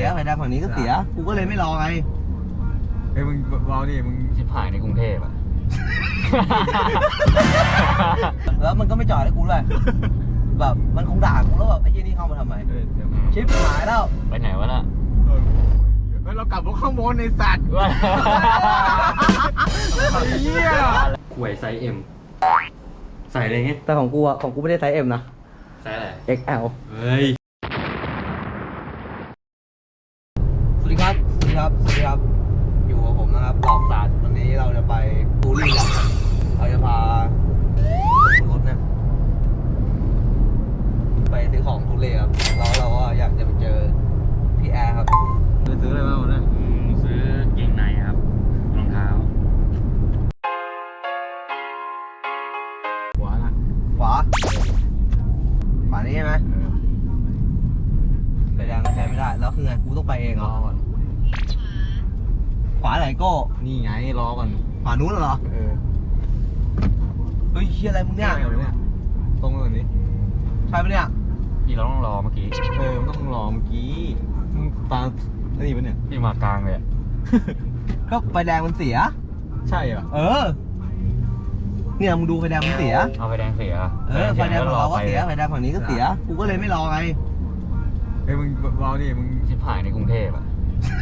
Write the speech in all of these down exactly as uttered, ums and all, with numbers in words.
สียไฟแดงฝั่งนี้ก็เสียกูก็เลยไม่รอไงเฮ้ยมึงเบาดิมึงชิบหายในกรุงเทพอะแล้วมันก็ไม่จอดให้กูเลยแบบมันคงด่ากูแล้วแบบไอ้ยี่นี่เข้ามาทำไมชิบหายแล้วไปไหนวะล่ะเรากลับรถข้างบนในสัตว์เฮียขวยไซส์ M ใส่อะไรเงี้ยแต่ของกูอะของกูไม่ได้ไซส์ M นะไซส์อะไรเอ็กซ์ แอลเฮ้ยสวัสดีครับสวัสดีครับสวัสดีครับอยู่กับผมนะครับหลอกศาสตร์วันนี้เราจะไปตูรี่กันเราจะพารถเนี่ยไปซื้อของตูรี่ครับแล้วเราก็อยากจะไปเจอพี่แอร์ครับไปซื้ออะไรบ้างวะเนี่ยซื้อเกงในครับรองเท้าขวานะขวาขวานี้ใช่ไหมไฟแดงใช้ไม่ได้แล้วคือไงกูต้องไปเองเหรอขวาไหนโก้นี่ไงรอก่อนขวานู้นเหรอเออเฮ้ยเฮียอะไรมึงเนี่ยตรงเลยนี้ใช่ปะเนี่ยพี่เราต้องรอเมื่อกี้เออต้องรอเมื่อกี้ตานี่ปะเนี่ยพี่มากลางเลยก็ไฟแดงมันเสียใช่เหรอเออเนี่ยมึงดูไฟแดงมันเสียเอาไฟแดงเสียเออไฟแดงฝั่งเราก็เสียไฟแดงฝั่งนี้ก็เสียกูก็เลยไม่รอไงเฮ้ยมึงเบาดิมึงชิบหายในกรุงเทพอะ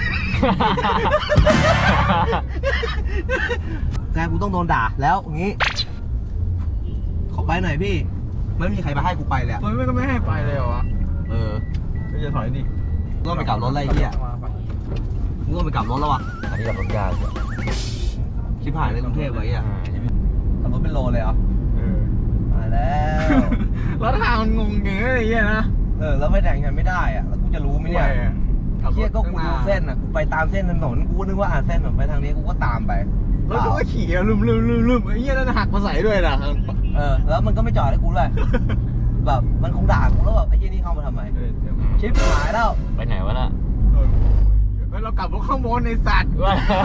แกกูต้องโดนด่าแล้วงี้ขอไปหน่อยพี่ไม่มีใครมาให้กูไปเลยมันก็ไม่ให้ไปเลยเหรอวะเออก็จะถอยดิต้องไปกลับรถอะไรเงี้ยมึงต้องไปกลับรถแล้ววะอันนี้กลับรถยากชิบหายในกรุงเทพเลยอ่ะขับรถเป็นโลเลยเหรอเออมาแล้วแล้วทางมันงงอย่างเงี้ยนะเออแล้วไฟแดงใช้ไม่ได้อ่ะแล้วกูจะรู้ไหมเนี่ยเฮียก็กูดูเส้นอ่ะกูไปตามเส้นถนนกูนึกว่าอ่าเส้นผมไปทางนี้กูก็ตามไปแล้วก็ขี่ลืมลืมลืมลืมไอ้เหี้ยนั่นหักมาใส่ด้วยนะเออแล้วมันก็ไม่จอดให้กูเลยแบบมันคงด่ากูแล้วแบบไอ้ยี่นี่เข้ามาทำไมชิปหายแล้วไปไหนวะล่ะเรากลับรถข้างบนในสัตว์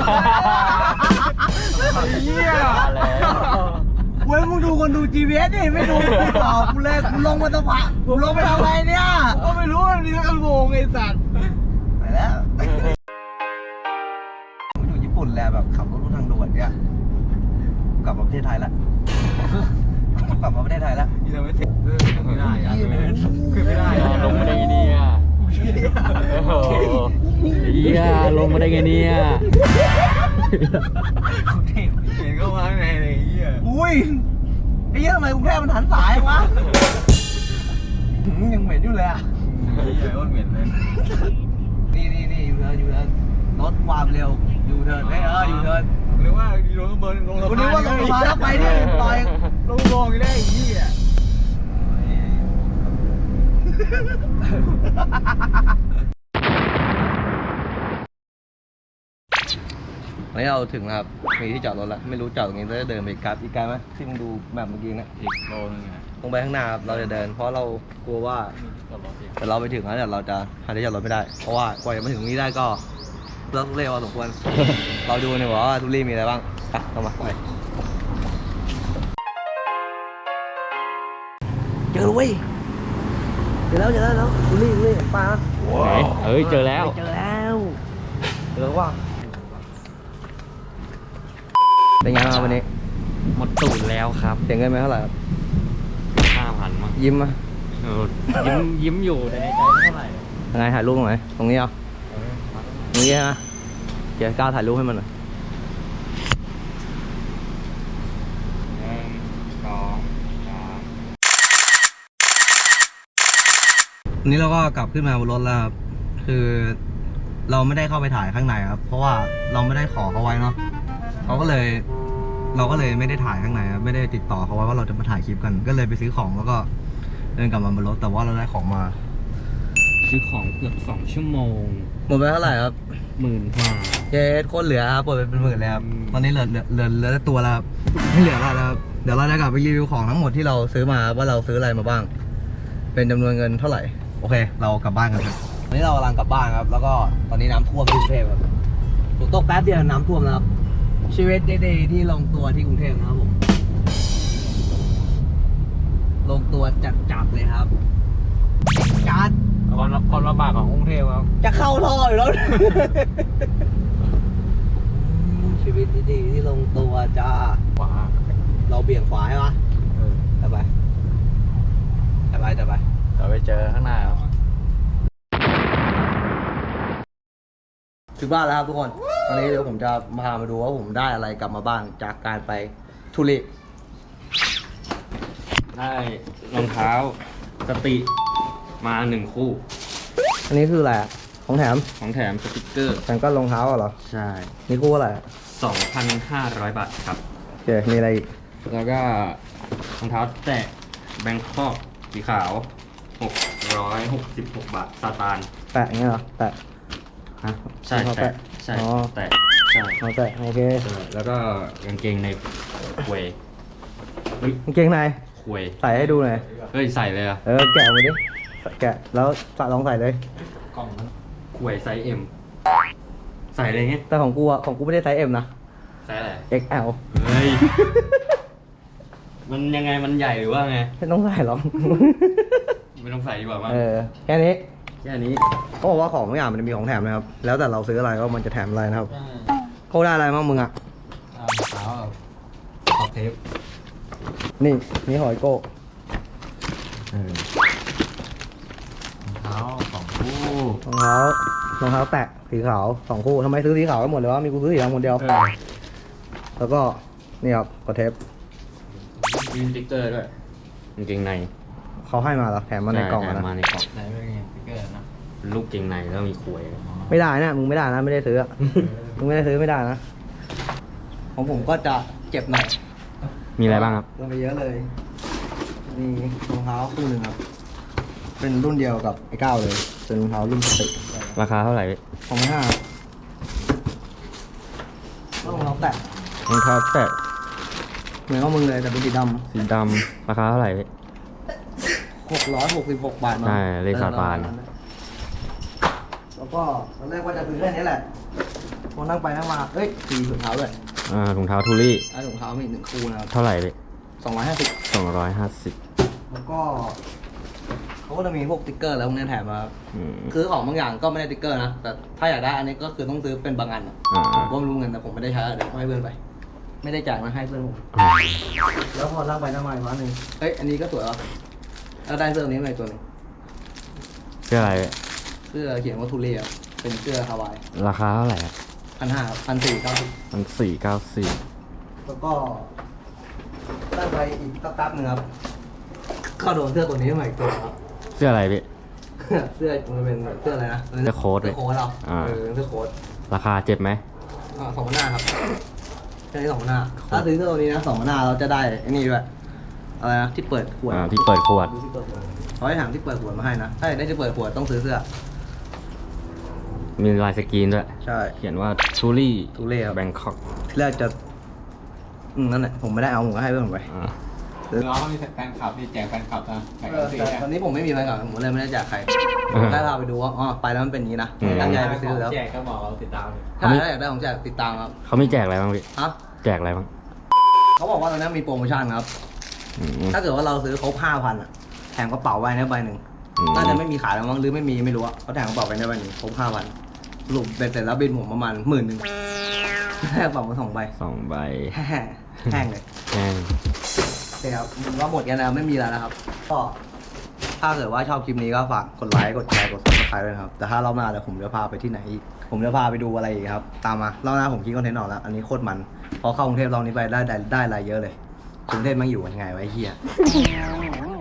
เหี้ยเว้ยมึงดูคนดู จี พี เอส ดิไม่ดูกูต่อกูเลยกูลงมาตะพักกูลงไปทำอะไรเนี่ยก็ไม่รู้มันมีกระโปงไอ้สัตว์ไปแล้วมันอยู่ญี่ปุ่นแหละแบบขับรถทางด่วนเนี่ยกลับมาประเทศไทยละกลับมาประเทศไทยแล้วยังไม่ถึงไม่ได้ขึ้นไม่ได้ลงมาได้ไงเนี่ยเฮียลงมาได้ไงเนี่ยเห็นก็มาไงเลยเฮียอุ้ยไอ้เหี้ยทำไมกรุงเทพมันหันสายวะยังเหม็นอยู่เลยอ่ะเฮียก็เหม็นเลยนี่นี่นี่อยู่เทิร์นอยู่เทิร์นรถความเร็วอยู่เทิร์นเฮ้ยเอออยู่เทิร์นหรือว่าลงเบิร์นลงสะพานคุณนึกว่าลงสะพานแล้วไปดิต่อยลงลงได้ไอ้เหี้ยวันนี้เราถึงนะครับมีที่จอดรถแล้วไม่รู้จอดตรงนี้จะเดินไปอีกไกลอีกไกลไหมที่มึงดูแบบเมื่อกี้นะอีกโลนึงตรงไปข้างหน้าครับเราจะเดินเพราะเรากลัวว่าแต่เราไปถึงแล้วเดี๋ยวเราจะหาที่จอดรถไม่ได้เพราะว่ากว่าจะมาถึงตรงนี้ได้ก็เลิกเร็วพอสมควรเราดูหน่อยว่าทุเรียนมีอะไรบ้างอ่ะเข้ามาไปเจอเว้ยเจอแล้วเจอแล้วทุเรียนทุเรียนปลาไหนเอ้ยเจอแล้วเจอแล้วเจอว่าเป็นไงบ้างวันนี้หมดตูดแล้วครับเสียเงินไปเท่าไหร่ครับห้าพันมั้งยิ้มอ่ะยิ้มยิ้มอยู่แต่ในใจไม่เท่าไหร่ยังไงถ่ายรูปตรงไหนตรงนี้เอาตรงนี้ฮะเดี๋ยวก้าวถ่ายรูปให้มันหน่อยหนึ่งสองสามวันนี้เราก็กลับขึ้นมาบนรถแล้วครับคือเราไม่ได้เข้าไปถ่ายข้างในครับเพราะว่าเราไม่ได้ขอเขาไว้เนาะเขาก็เลยเราก็เลยไม่ได้ถ่ายข้างในครับไม่ได้ติดต่อเขาไว้ว่าเราจะมาถ่ายคลิปกันก็เลยไปซื้อของแล้วก็เดินกลับมาบนรถแต่ว่าเราได้ของมาซื้อของเกือบสองชั่วโมงหมดไปเท่าไหร่ครับหมื่นกว่าเจ๊โคตรเหลือครับหมดไปเป็นหมื่นเลยครับตอนนี้เหลือเหลือเหลือเหลือตัวแล้วไม่เหลืออะไรแล้วเดี๋ยวเราจะกลับไปรีวิวของทั้งหมดที่เราซื้อมาว่าเราซื้ออะไรมาบ้างเป็นจำนวนเงินเท่าไหร่โอเคเรากลับบ้านกันครับตอนนี้เรากำลังกลับบ้านครับแล้วก็ตอนนี้น้ำท่วมที่กรุงเทพครับฝนตกแป๊บเดียวน้ำท่วมแล้วครับชีวิตเดย์ที่ลงตัวที่กรุงเทพนะครับผมลงตัวจัดจับเลยครับจัดความความลำบากของกรุงเทพครับจะเข้าท่ออยู่แล้ว ชีวิตดีๆที่ลงตัวจ้าขวาเราเบี่ยงขวาใช่ปะเออจะไปจะไปจะไปเราไปเจอข้างหน้าครับถึงบ้านแล้วครับทุกคน ตอนนี้เดี๋ยวผมจะมาพามาดูว่าผมได้อะไรกลับมาบ้างจากการไปทุเรศได้รองเท้าสติมาหนึ่งคู่อันนี้คืออะไรอะของแถมของแถมสติกเกอร์แถมก็รองเท้าเหรอใช่นี่คู่อะไรอะสองพันห้าร้อยบาทครับโอเค มีอะไรอีกแล้วก็รองเท้าแตะแบงคอกสีขาวหกร้อยหกสิบหกบาทซาตานแปะอย่างเงี้ยเหรอ แปะฮะใช่รองเท้าแตะแตะใช่อ๋อแตะใช่เอาแปะโอเคใช่แล้วก็กางเกงในควยเฮ้ยกางเกงในควยใส่ให้ดูหน่อยเฮ้ยใส่เลยอะเออ แกะมาดิ แกะ แล้วสะลองใส่เลยกล่องนั้นควยไซส์เอ็มใส่อะไรเงี้ยแต่ของกูอะของกูไม่ได้ไซส์ M นะไซส์อะไรเอ็กซ์แอลเฮ้ย มันยังไงมันใหญ่หรือว่าไงไม่ต้องใส่หรอกไม่ต้องใส่ดีกว่ามั้งเออ แค่นี้แค่นี้เขาบอกว่าของทุกอย่างมันจะมีของแถมนะครับ แล้วแต่เราซื้ออะไรก็มันจะแถมอะไรนะครับเขาได้อะไรบ้างมึงอ่ะเท้าขอบเทปนี่นี่หอยโก้เออเท้าสองคู่รองเท้ารองเท้าแตะสีขาวสองคู่ทำไมซื้อสีขาวกันหมดเลยวะมีกูซื้อสีดำคนเดียวเออแล้วก็นี่ครับกดเทปมีสติ๊กเกอร์ด้วยกางเกงในเขาให้มาเหรอแถมมาในกล่องอะใช่นะมาในกล่องไหนเป็นไงสติ๊กเกอร์นะลูกเกงในแล้วมีขวยไม่ได้นะมึงไม่ได้นะไม่ได้ซื้ออะมึงไม่ได้ซื้อไม่ได้นะของผมก็จะเจ็บหน่อยมีอะไรบ้างครับลงไปเยอะเลยมีรองเท้าคู่หนึ่งครับเป็นรุ่นเดียวกับไอ้เก้าเลยเป็นรองเท้ารุ่นสติราคาเท่าไหร่สองพันห้าแล้วรองเท้าแตะรองเท้าแตะเหมือนกับมึงเลยแต่เป็นสีดสีดำราคาเท่าไหร่ำหกร้อยหกสิบหกบาทมั้งใช่เลขสาบานแล้วก็ตอนแรกว่าจะซื้อแค่นี้แหละพอนั่งไปนั่งมาเอ้ยสีถุงเท้าด้วยอ่ารองเท้าทูรี่ไอ้ถุงเท้ามีอีกหนึ่งคู่นะครับเท่าไหร่สองร้อยห้าสิบสองร้อยห้าสิบแล้วก็เขาก็จะมีพวกติ๊กเกอร์แล้วพวกนี้แถมมาครับอืมคือของบางอย่างก็ไม่ได้ติ๊กเกอร์นะแต่ถ้าอยากได้อันนี้ก็คือต้องซื้อเป็นบางอันอะอ่าผมก็ไม่รู้เงินแต่ผมไม่ได้ใช้เดี๋ยวให้เพื่อนไป ไม่ได้จ่ายมาให้เพื่อนผม แล้วพอนั่งไปนั่งมาอีกวันหนึ่งเฮ้ย อันนี้ก็สวยวะแล้วได้เสื้อตัวนี้มาอีกตัวหนึงเสื้ออะไรเสื้อเขียนว่าทูเรียเป็นเสื้อฮาวายราคาเท่าไหร่พันห้าพันสี่เก้าสิบมันสี่เก้าสี่แล้วก็ได้ไปอีกสักแป๊บหนึงครับก็โดนเสื้อตัวนี้มาอีกตัวครับเสื้ออะไรพี่เสื้อมันเป็นเสื้ออะไรนะเสื้อโค้ทเสื้อโค้ทเราอ่าเออเสื้อโค้ทราคาเจ็บไหมอ่าสองพันห้าครับแค่นี้สองพันห้าถ้าซื้อเสื้อตัวนี้นะสองพันห้าเราจะได้ไอ้นี่ด้วยอะไรนะที่เปิดขวดอ่าที่เปิดขวดที่เปิดขวดเขาให้ถามที่เปิดขวดมาให้นะถ้าอยากได้ที่เปิดขวดต้องซื้อเสื้อมีลายสกรีนด้วยใช่เขียนว่าทูรี่ทูเล่ครับแบงคอกที่แรกจะอืมนั่นแหละผมไม่ได้เอาผมก็ให้เพื่อนผมไปอ่าน้องเขามีแฟนคลับมีแจกแฟนคลับนะแจกเออสีแต่ตอนนี้ผมไม่มีแฟนคลับผมเลยไม่ได้แจกใครผมแค่พาไปดูว่าอ๋อไปแล้วมันเป็นอย่างนี้นะตั้งใจไปซื้อแล้วแจกก็บอกเราติดตามเลยถ้าถ้าอยากได้ของแจกติดตามครับเขามีแจกอะไรบ้างพี่ฮะแจกอะไรบ้างเขาบอกว่าตอนนี้มีโปรโมชั่นครับอืมถ้าเกิดว่าเราซื้อครบห้าพันอ่ะแถมกระเป๋าไว้นะใบหนึ่งอืมน่าจะไม่มีขายแล้วมั้งหรือไม่มีไม่รู้อะเขาแถมกระเป๋าไปได้ใบหนึ่งครบห้าพันสรุปเป็นเสร็จแล้วบินผมประมาณหมื่นหนึ่งได้กระเป๋ามาสองใบสองใบแห้งแห้งเลยแห้งโอเคครับมันก็หมดกันแล้วไม่มีแล้วนะครับ ก็ถ้าเกิดว่าชอบคลิปนี้ก็ฝากกดไลค์กดแชร์กดซับสไครต์ด้วยนะครับ แต่ถ้ารอบหน้าเดี๋ยวผมจะพาไปที่ไหนอีกผมจะพาไปดูอะไรอีกครับ ตามมารอบหน้าผมคิดคอนเทนต์ออกแล้ว อันนี้โคตรมันพอเข้ากรุงเทพรอบนี้ไปได้ได้ได้อะไรเยอะเลยกรุงเทพมันอยู่ยังไงไวะไอ้เฮีย